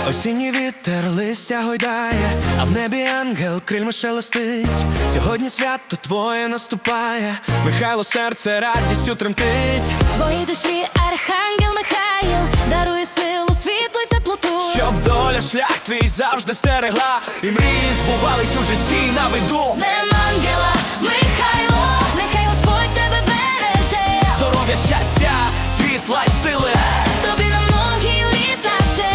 Осінній вітер листя гойдає, а в небі ангел крильми шелестить. Сьогодні свято твоє наступає, Михайло, серце радістю тремтить. Твоїй душі архангел Михаїл дарує силу, світло й теплоту, Щоб доля шлях твій завжди стерегла, і мрії збувались у житті на виду. з днем ангела Михайло, нехай Господь тебе береже. Здоров'я, щастя, світла й сили Тобі на многі літа ще.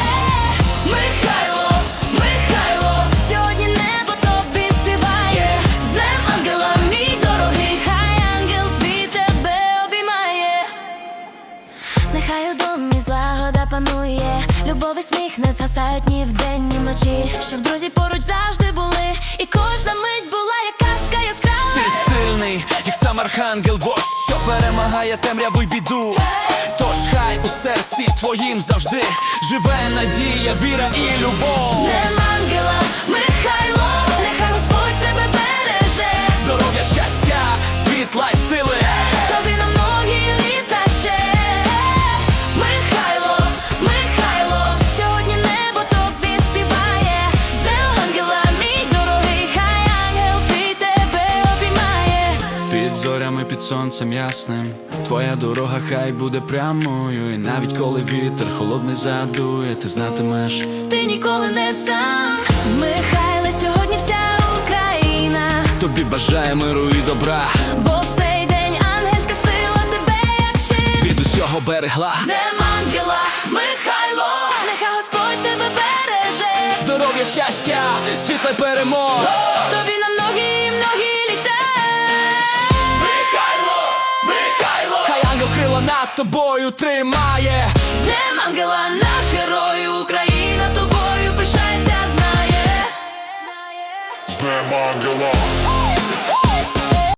Михайло, Михайло, сьогодні небо тобі співає. З днем ангела, мій дорогий, хай ангел твій тебе обіймає. Нехай у домі злагода панує, любов і сміх не згасають ні вдень, ні вночі. Щоб друзі поруч завжди були, і кожна мить була як казка яскрава. Ти сильний, як сам архангел вождь, що перемагає темряву й біду. Тож хай у серці твоїм завжди живе надія, віра і любов. З днем ангела Михайло, нехай Господь тебе береже. Здоров'я, щастя, світла й сили Тобі на многі літа ще. Михайло, Михайло, сьогодні небо тобі співає. З днем ангела, мій дорогий, хай ангел твій тебе обіймає. Під зорями, під сонцем ясним, твоя дорога хай буде прямою. І навіть коли вітер холодний задує, ти знатимеш, Ти ніколи не сам. Михайле, сьогодні вся Україна тобі бажає миру і добра, бо в цей день ангельська сила тебе як щит від усього берегла. З днем ангела Михайло, нехай Господь тебе береже. Здоров'я, щастя, світла й перемог. Тобі на многі, многі літа. Михайло, Михайло, хай ангел крила над тобою тримає. З днем ангела, наш герой, Україна тобою пишається, знає. З днем ангела.